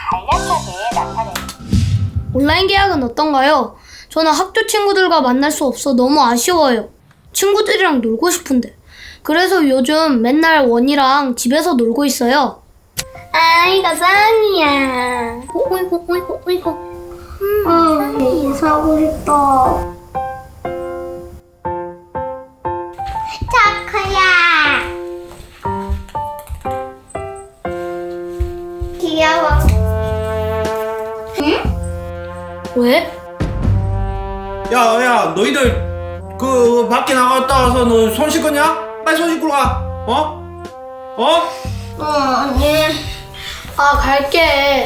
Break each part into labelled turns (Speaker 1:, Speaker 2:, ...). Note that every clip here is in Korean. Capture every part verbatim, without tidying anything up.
Speaker 1: 간략하게 나타내는.
Speaker 2: 온라인 계약은 어떤가요? 저는 학교 친구들과 만날 수 없어 너무 아쉬워요. 친구들이랑 놀고 싶은데. 그래서 요즘 맨날 원이랑 집에서 놀고 있어요. 아이고 쌍이야. 오이고 오이고 오이고. 음, 이 사고 싶다.
Speaker 1: 초코야. 귀여워. 응?
Speaker 2: 왜?
Speaker 3: 야, 야, 너희들 그 밖에 나갔다 와서 너 손 씻었냐? 빨리 손 씻고 가. 어? 어?
Speaker 2: 어, 언니. 아, 갈게.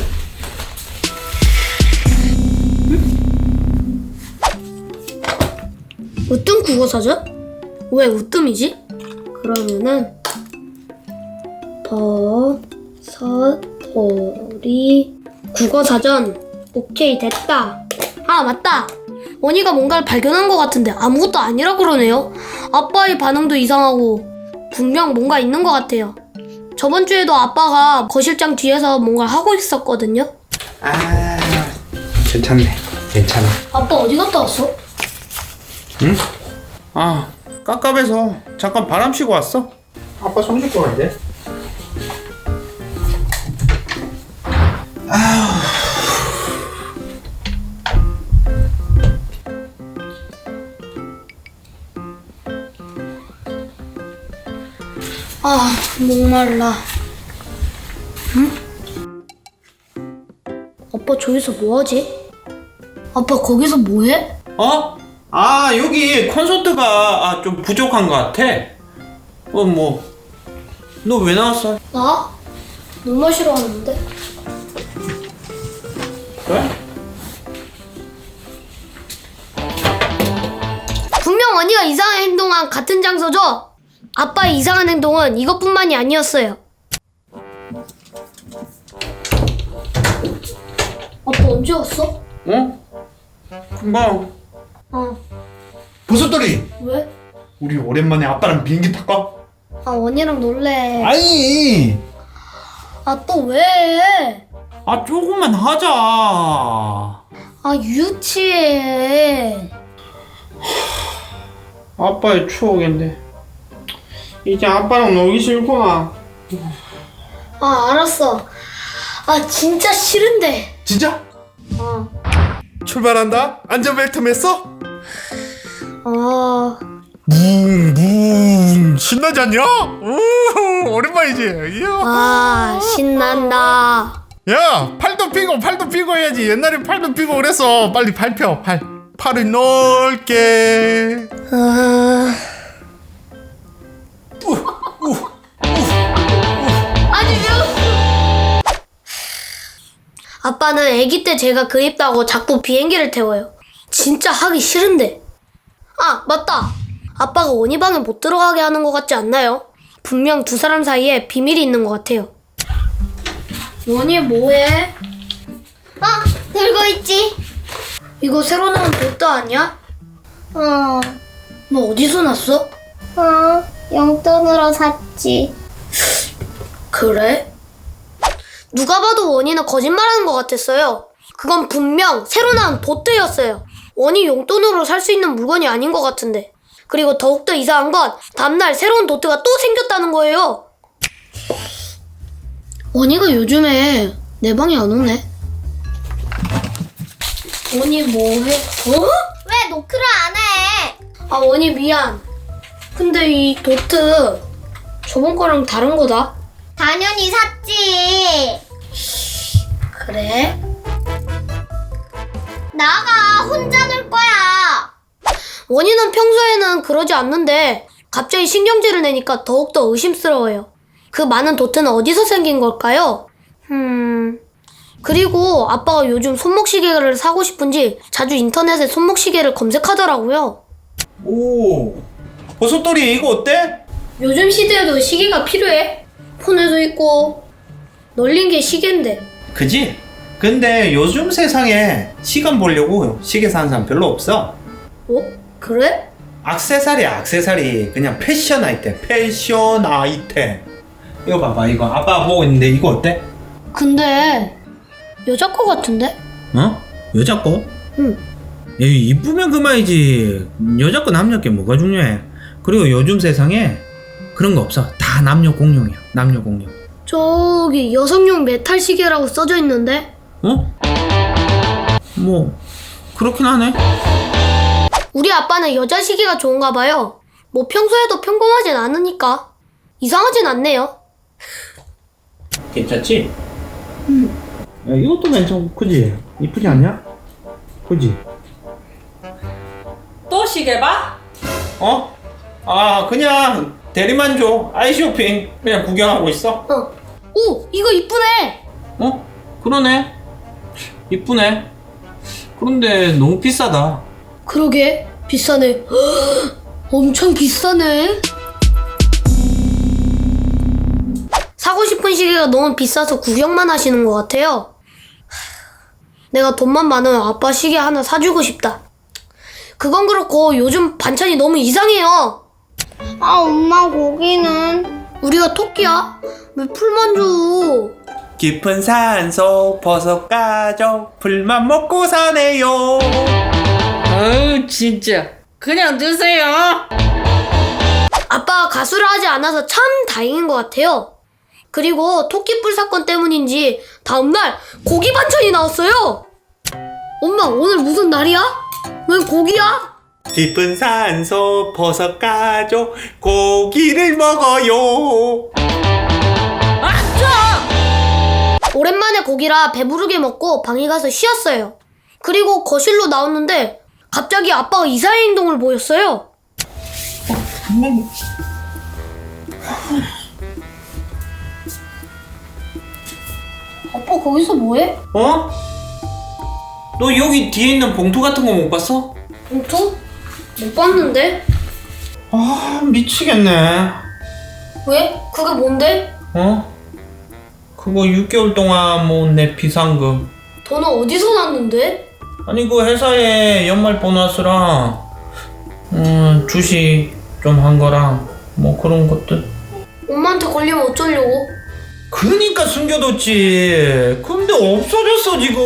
Speaker 2: 으뜸 국어사전? 왜 으뜸이지? 그러면은 버섯돌이 국어사전. 오케이, 됐다. 아, 맞다. 원희가 뭔가를 발견한 것 같은데 아무것도 아니라 그러네요. 아빠의 반응도 이상하고 분명 뭔가 있는 것 같아요. 저번 주에도 아빠가 거실장 뒤에서 뭔가 하고 있었거든요.
Speaker 3: 아, 괜찮네. 괜찮아.
Speaker 2: 아빠 어디 갔다 왔어?
Speaker 3: 응? 아, 깝깝해서 잠깐 바람 쉬고 왔어. 아빠 손 씻고 가는데.
Speaker 2: 아, 목말라. 응? 아빠 저기서 뭐하지? 아빠 거기서 뭐해?
Speaker 3: 어? 아, 여기 콘서트가 아, 좀 부족한 것 같아. 어, 뭐. 너 왜 나왔어?
Speaker 2: 나? 물 마시러 왔는데.
Speaker 3: 그래?
Speaker 2: 분명 언니가 이상한 행동한 같은 장소죠? 아빠의 이상한 행동은 이것뿐만이 아니었어요. 아빠 언제 왔어?
Speaker 3: 어? 금방.
Speaker 2: 어.
Speaker 4: 버섯돌이,
Speaker 2: 왜?
Speaker 4: 우리 오랜만에 아빠랑 비행기 탈까?
Speaker 2: 아, 언니랑 놀래.
Speaker 4: 아니,
Speaker 2: 아, 또 왜?
Speaker 3: 아, 조금만 하자.
Speaker 2: 아, 유치해.
Speaker 3: 아빠의 추억인데. 이제 아빠랑 놀기 싫구나.
Speaker 2: 아, 알았어. 아, 진짜 싫은데.
Speaker 4: 진짜?
Speaker 2: 어.
Speaker 4: 출발한다. 안전벨트 맸어?
Speaker 2: 어.
Speaker 4: 뭉뭉 신나지 않냐? 우 오랜만이지. 이야.
Speaker 2: 아, 신난다.
Speaker 4: 야, 팔도 펴고 팔도 펴고 해야지. 옛날에 팔도 펴고 그랬어. 빨리 팔 펴. 팔. 팔을 넓게.
Speaker 2: 아. 아니, 왜? 아빠는 아기 때 제가 그립다고 자꾸 비행기를 태워요. 진짜 하기 싫은데. 아, 맞다. 아빠가 원희 방에 못 들어가게 하는 것 같지 않나요? 분명 두 사람 사이에 비밀이 있는 것 같아요. 원희 뭐해?
Speaker 1: 어, 들고 있지.
Speaker 2: 이거 새로 나온 도트 아니야?
Speaker 1: 어,
Speaker 2: 너 어디서 났어?
Speaker 1: 어, 용돈으로 샀지.
Speaker 2: 그래? 누가 봐도 원희는 거짓말하는 것 같았어요. 그건 분명 새로 나온 도트였어요. 원희 용돈으로 살 수 있는 물건이 아닌 것 같은데. 그리고 더욱더 이상한 건 다음날 새로운 도트가 또 생겼다는 거예요. 원희가 요즘에 내 방에 안 오네. 원희 뭐해? 어?
Speaker 1: 왜 노크를 안 해?
Speaker 2: 아, 원희 미안. 근데 이 도트 저번 거랑 다른 거다.
Speaker 1: 당연히 샀지.
Speaker 2: 그래?
Speaker 1: 나가, 혼자 놀 거야.
Speaker 2: 원희는 평소에는 그러지 않는데 갑자기 신경질을 내니까 더욱더 의심스러워요. 그 많은 도트는 어디서 생긴 걸까요? 음... 그리고 아빠가 요즘 손목시계를 사고 싶은지 자주 인터넷에 손목시계를 검색하더라고요.
Speaker 3: 오, 버섯돌이 이거 어때?
Speaker 2: 요즘 시대에도 시계가 필요해? 폰에도 있고 널린 게 시계인데.
Speaker 3: 그지? 근데 요즘 세상에 시간 보려고 시계 사는 사람 별로 없어.
Speaker 2: 어? 그래?
Speaker 3: 액세서리야, 액세서리. 그냥 패션 아이템, 패션 아이템. 이거 봐봐, 이거 아빠 보고 있는데 이거 어때?
Speaker 2: 근데 여자 거 같은데?
Speaker 3: 어? 여자 거?
Speaker 2: 응.
Speaker 3: 에이, 이쁘면 그만이지. 여자 거 남녀 게 뭐가 중요해. 그리고 요즘 세상에 그런 거 없어. 다 남녀 공용이야. 남녀 공용.
Speaker 2: 저기 여성용 메탈 시계라고 써져 있는데?
Speaker 3: 어? 뭐 그렇긴 하네.
Speaker 2: 우리 아빠는 여자 시계가 좋은가 봐요. 뭐 평소에도 평범하진 않으니까 이상하진 않네요.
Speaker 3: 괜찮지? 응. 야, 이것도 괜찮고 크지? 이쁘지 않냐? 그지?
Speaker 5: 또 시계 봐?
Speaker 3: 어? 아 그냥 대리만 줘. 아이쇼핑 그냥 구경하고 있어.
Speaker 2: 어. 오, 이거 이쁘네.
Speaker 3: 어? 그러네. 이쁘네. 그런데 너무 비싸다.
Speaker 2: 그러게 비싸네. 헉, 엄청 비싸네. 사고 싶은 시계가 너무 비싸서 구경만 하시는 것 같아요. 내가 돈만 많으면 아빠 시계 하나 사주고 싶다. 그건 그렇고 요즘 반찬이 너무 이상해요.
Speaker 1: 아, 엄마 고기는?
Speaker 2: 우리가 토끼야? 왜 풀만 줘?
Speaker 3: 깊은 산속 버섯 가족 풀만 먹고 사네요.
Speaker 5: 아유 진짜 그냥 드세요.
Speaker 2: 아빠가 가수를 하지 않아서 참 다행인 것 같아요. 그리고 토끼뿔 사건 때문인지 다음날 고기 반찬이 나왔어요. 엄마 오늘 무슨 날이야? 왜 고기야?
Speaker 3: 깊은 산속 버섯 가족 고기를 먹어요.
Speaker 2: 오랜만에 고기라 배부르게 먹고 방에 가서 쉬었어요. 그리고 거실로 나왔는데 갑자기 아빠가 이상한 행동을 보였어요. 아빠 거기서 뭐해?
Speaker 3: 어? 너 여기 뒤에 있는 봉투 같은 거 못 봤어?
Speaker 2: 봉투? 못 봤는데?
Speaker 3: 아 미치겠네.
Speaker 2: 왜? 그게 뭔데?
Speaker 3: 어? 그거 육 개월 동안 모은 내 비상금.
Speaker 2: 돈은 어디서 났는데?
Speaker 3: 아니 그 회사에 연말 보너스랑 음 주식 좀 한 거랑 뭐 그런 것들.
Speaker 2: 엄마한테 걸리면 어쩌려고?
Speaker 3: 그러니까 숨겨뒀지. 근데 없어졌어 지금.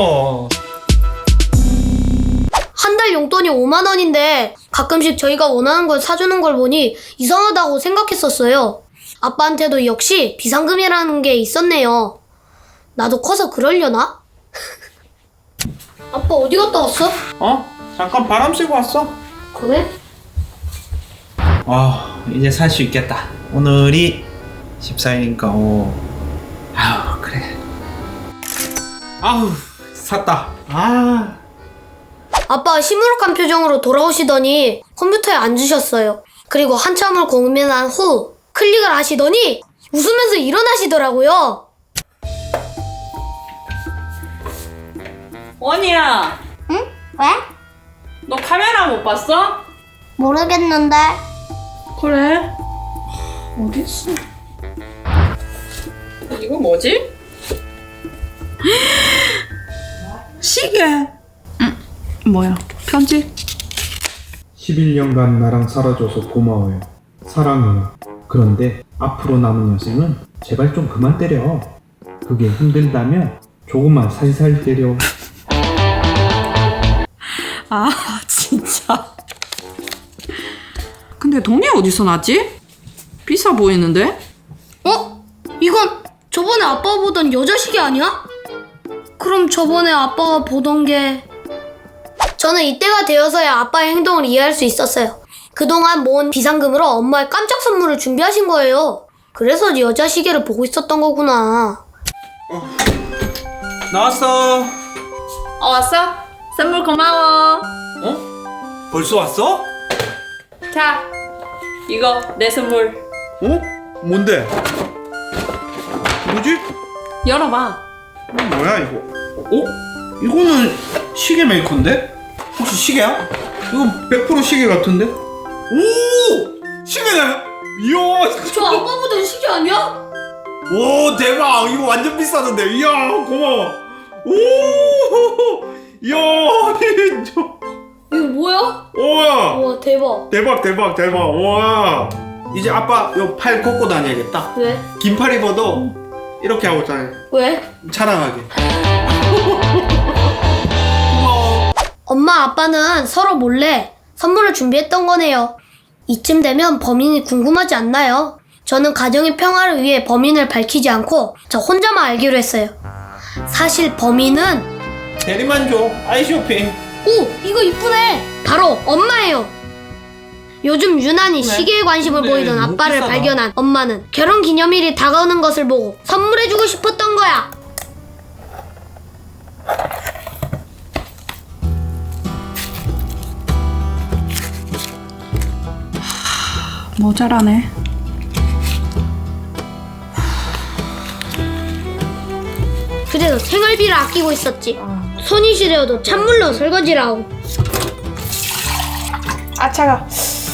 Speaker 2: 한 달 용돈이 오만 원인데 가끔씩 저희가 원하는 걸 사주는 걸 보니 이상하다고 생각했었어요. 아빠한테도 역시 비상금이라는 게 있었네요. 나도 커서 그러려나? 아빠 어디 갔다 왔어?
Speaker 3: 어? 잠깐 바람 쐬고 왔어.
Speaker 2: 그래?
Speaker 3: 아 이제 살 수 있겠다. 오늘이 십사일이니까 오. 아우 그래. 아우 샀다. 아.
Speaker 2: 아빠가 시무룩한 표정으로 돌아오시더니 컴퓨터에 앉으셨어요. 그리고 한참을 고민한 후 클릭을 하시더니 웃으면서 일어나시더라고요.
Speaker 5: 원이야
Speaker 1: 응? 왜?
Speaker 5: 너 카메라 못 봤어?
Speaker 1: 모르겠는데.
Speaker 5: 그래? 어딨어? 이거 뭐지? 시계. 응. 뭐야? 편지?
Speaker 6: 십일 년간 나랑 살아줘서 고마워요. 사랑해요. 그런데 앞으로 남은 여생은 제발 좀 그만 때려. 그게 힘들다면 조금만 살살 때려.
Speaker 5: 아 진짜. 근데 돈이 어디서 났지? 비싸 보이는데?
Speaker 2: 어? 이건 저번에 아빠가 보던 여자 시계 아니야? 그럼 저번에 아빠가 보던 게... 저는 이때가 되어서야 아빠의 행동을 이해할 수 있었어요. 그동안 모은 비상금으로 엄마의 깜짝 선물을 준비하신 거예요. 그래서 여자 시계를 보고 있었던 거구나.
Speaker 3: 나왔어.
Speaker 5: 어 왔어? 선물 고마워.
Speaker 3: 어? 벌써 왔어?
Speaker 5: 자 이거 내 선물.
Speaker 3: 어? 뭔데? 뭐지?
Speaker 5: 열어봐.
Speaker 3: 이거 뭐야 이거? 어? 이거는 시계 메이커인데? 혹시 시계야? 이거 백 퍼센트 시계 같은데? 오! 시계네! 이야!
Speaker 2: 저 아빠 보던 시계 아니야?
Speaker 3: 오 대박! 이거 완전 비싸던데? 이야 고마워! 오! 이야 진짜
Speaker 2: 이거 뭐야?
Speaker 3: 우와!
Speaker 2: 우와 대박.
Speaker 3: 대박 대박 대박 와 이제 아빠 요 팔 걷고 다녀야겠다.
Speaker 2: 왜?
Speaker 3: 긴 팔 입어도 이렇게 하고 있잖아요.
Speaker 2: 왜?
Speaker 3: 자랑하게.
Speaker 2: 엄마 아빠는 서로 몰래 선물을 준비했던 거네요. 이쯤 되면 범인이 궁금하지 않나요? 저는 가정의 평화를 위해 범인을 밝히지 않고 저 혼자만 알기로 했어요. 사실 범인은
Speaker 3: 대리만족 아이쇼핑.
Speaker 2: 오! 이거 이쁘네! 바로 엄마예요. 요즘 유난히 시계에 관심을
Speaker 3: 근데
Speaker 2: 보이던
Speaker 3: 너무
Speaker 2: 아빠를
Speaker 3: 비싸다.
Speaker 2: 발견한 엄마는 결혼기념일이 다가오는 것을 보고 선물해주고 싶었던 거야.
Speaker 5: 모자라네.
Speaker 2: 그래서 생활비를 아끼고 있었지. 손이 시려도 찬물로 설거지를 하고
Speaker 5: 아 차가.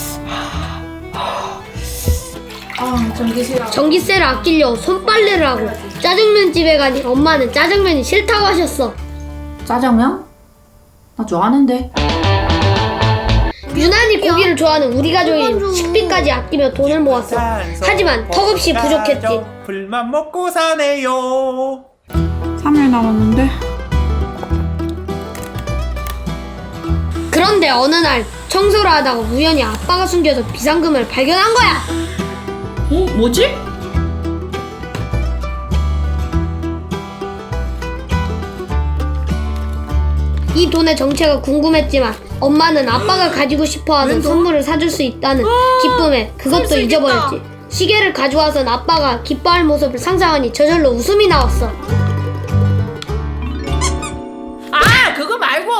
Speaker 5: 아 전기세요.
Speaker 2: 전기세를 아끼려고 손빨래를 하고 짜장면 집에 가니 엄마는 짜장면이 싫다고 하셨어.
Speaker 5: 짜장면? 나 좋아하는데.
Speaker 2: 유난히 고기를 좋아하는 우리 가족이 식비까지 아끼며 돈을 모았어. 하지만 턱없이 부족했지.
Speaker 3: 불만 먹고 사네요.
Speaker 5: 삼 일 남았는데.
Speaker 2: 그런데 어느 날 청소를 하다가 우연히 아빠가 숨겨둔 비상금을 발견한 거야.
Speaker 5: 어 뭐지?
Speaker 2: 이 돈의 정체가 궁금했지만 엄마는 아빠가 가지고 싶어하는 선물을 사줄 수 있다는 기쁨에 그것도 잊어버렸지. 시계를 가져와선 아빠가 기뻐할 모습을 상상하니 저절로 웃음이 나왔어.
Speaker 5: 아 그거 말고.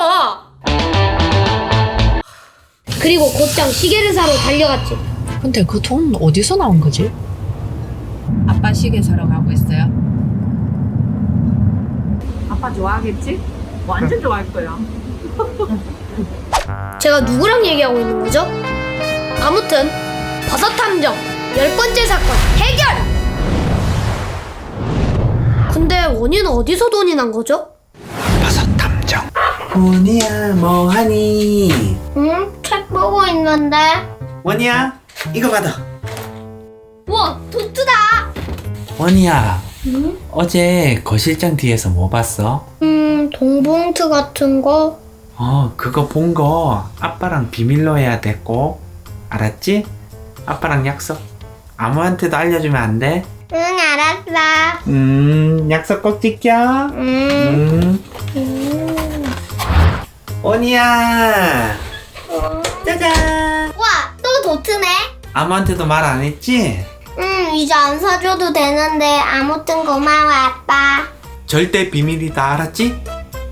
Speaker 2: 그리고 곧장 시계를 사러 달려갔지.
Speaker 7: 근데 그 돈 어디서 나온 거지? 아빠 시계 사러 가고 있어요.
Speaker 5: 아빠 좋아하겠지? 완전 좋아할 거야.
Speaker 2: 제가 누구랑 얘기하고 있는 거죠? 아무튼 버섯 탐정 열 번째 사건 해결! 근데 원인은 어디서 돈이 난 거죠?
Speaker 3: 원이야 뭐하니?
Speaker 1: 응? 책 보고 있는데.
Speaker 3: 원이야 이거 받아.
Speaker 2: 우와 도트다!
Speaker 8: 원이야, 어제 거실장 뒤에서 뭐 봤어?
Speaker 1: 음, 동봉투 같은 거?
Speaker 8: 어, 그거 본 거 아빠랑 비밀로 해야 됐고, 알았지? 아빠랑 약속. 아무한테도 알려주면 안 돼?
Speaker 1: 응, 알았어.
Speaker 8: 음, 약속 꼭 지켜.
Speaker 1: 음.
Speaker 8: 음. 원이야, 짜잔.
Speaker 1: 와, 또 도트네?
Speaker 8: 아무한테도 말 안 했지?
Speaker 1: 응, 이제 안 사줘도 되는데 아무튼 고마워, 아빠.
Speaker 8: 절대 비밀이다, 알았지?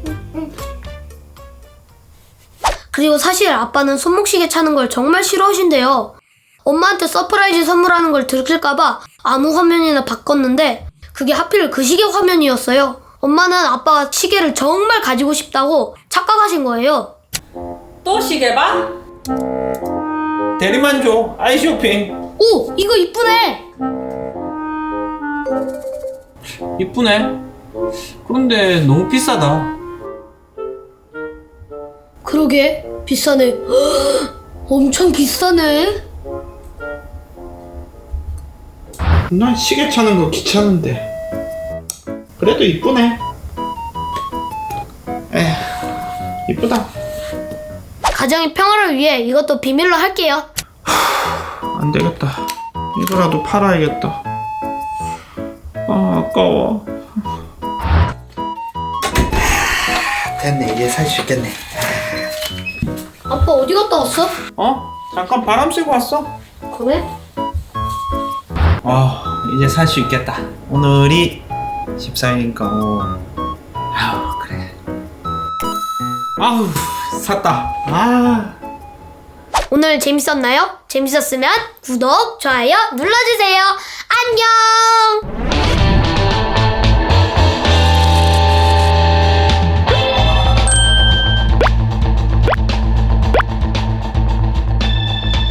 Speaker 2: 그리고 사실 아빠는 손목시계 차는 걸 정말 싫어하신대요. 엄마한테 서프라이즈 선물하는 걸 들킬까봐 아무 화면이나 바꿨는데 그게 하필 그 시계 화면이었어요. 엄마는 아빠가 시계를 정말 가지고 싶다고 착각하신 거예요.
Speaker 5: 또 시계 봐?
Speaker 3: 대리만족 아이쇼핑.
Speaker 2: 오! 이거 이쁘네!
Speaker 8: 이쁘네. 그런데 너무 비싸다.
Speaker 2: 그러게 비싸네. 엄청 비싸네.
Speaker 3: 난 시계 차는 거 귀찮은데. 그래도 이쁘네. 에휴, 이쁘다.
Speaker 2: 가정의 평화를 위해 이것도 비밀로 할게요.
Speaker 3: 안 되겠다. 이거라도 팔아야겠다. 아, 아까워. 됐네. 이제 살 수 있겠네.
Speaker 2: 아빠 어디 갔다 왔어?
Speaker 3: 어? 잠깐 바람 쐬고 왔어.
Speaker 2: 그래?
Speaker 3: 어, 이제 살 수 있겠다. 오늘이 십사일이니까 오. 아우, 그래. 아우, 샀다. 아.
Speaker 2: 오늘 재밌었나요? 재밌었으면 구독, 좋아요 눌러주세요. 안녕!